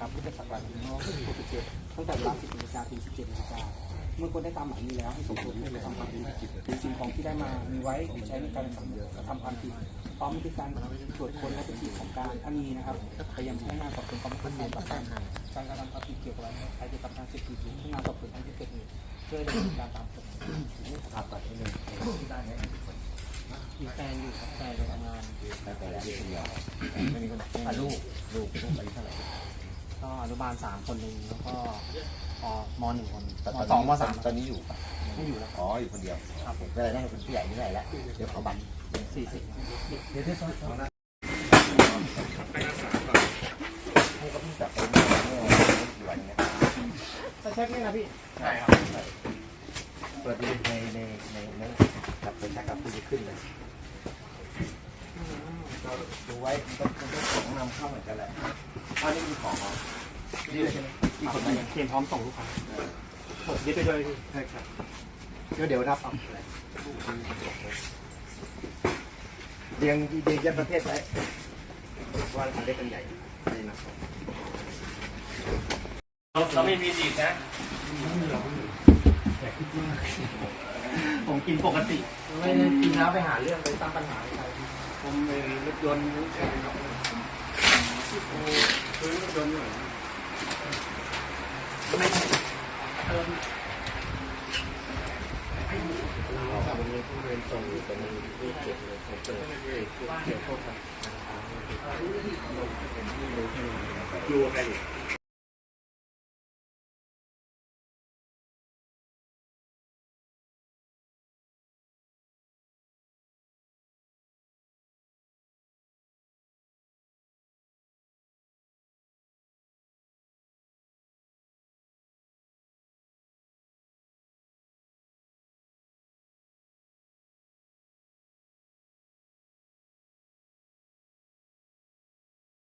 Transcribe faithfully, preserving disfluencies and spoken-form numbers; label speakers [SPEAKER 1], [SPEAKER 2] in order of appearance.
[SPEAKER 1] พุทธศักราชหนึ่งพันเก้าร้อยหกสิบเจ็ดตั้งแต่เวลาสิบนาฬิกาถึงสิบเจ็ดนาฬิกาเมื่อคนได้ตามหมายนี้แล้วให้ส่งตัวผู้กระทำความผิดหรือสิ่งของที่ได้มามีไว้ใช้ในการกระทำความผิดพร้อมด้วยการตรวจค้นและเป็นที่ของการถ้ามีนะครับไปยังพนักงานสอบสวนกองบังคับการปราบปรามการกระทำความผิดเกี่ยวกับการเกี่ยวกับการเสพติดหรือพนักงานสอบสวนทางที่เกิดเหตุเพื่อดำเนินการตามกฎหมายครับตัดที่หนึ่งที่ได้เนี่ยมีแฟนอยู่ครับแฟนไปทำงานแต่แต่ละคนเดียวไม่มีคนอ่ะลูกลูกลูกอายุเท่าไหร่ก็อนุบาลสามคนหนึ่งแล้วก็ปมหนึ่งคนมสองมสามตอนนี้อยู่ปะไม่อยู่แล้วอ๋ออยู่คนเดียวครับผมก็เลยได้เป็นผู้ใหญ่นี่แหละแล้วเดี๋ยวขอบัตรสี่สิบเดี๋ยวที่ซ้อนๆนะไปรักษาก่อนให้เขาพี่จับไปเมื่อกี่วันเนี้ยจะเช็คนี่นะพี่ใช่ครับเปิดดูในในในในจับไปชักกับผู้จะขึ้นเลยก็ดูไว้เป็นเป็นของนำเข้าเหมือนกันแหละอันนี้มีของเหรอนี่เลยใช่ไหมมีคนมาเตรียมพร้อมส่งลูกค้าผมยึดไปด้วยพี่ใช่ครับก็เดี๋ยวรับเอาเรียงเรียงยัดประเทศไว้ว่าเราได้กันใหญ่นี่นะเราไม่มีดีนะผมกินปกติไม่ได้กินแล้วไปหาเรื่องไปสร้างปัญหาอะไรผมเองรถยนต์นี่ใช่ไหมโอ้ซื้อรถยนต์อยู่ไม่ใช่เติมเราวันนี้ผู้เรียนส่งอยู่แต่มันไม่เก็บเลยผมเจอเกี่ยวข้องกับอยู่อะไรอยู่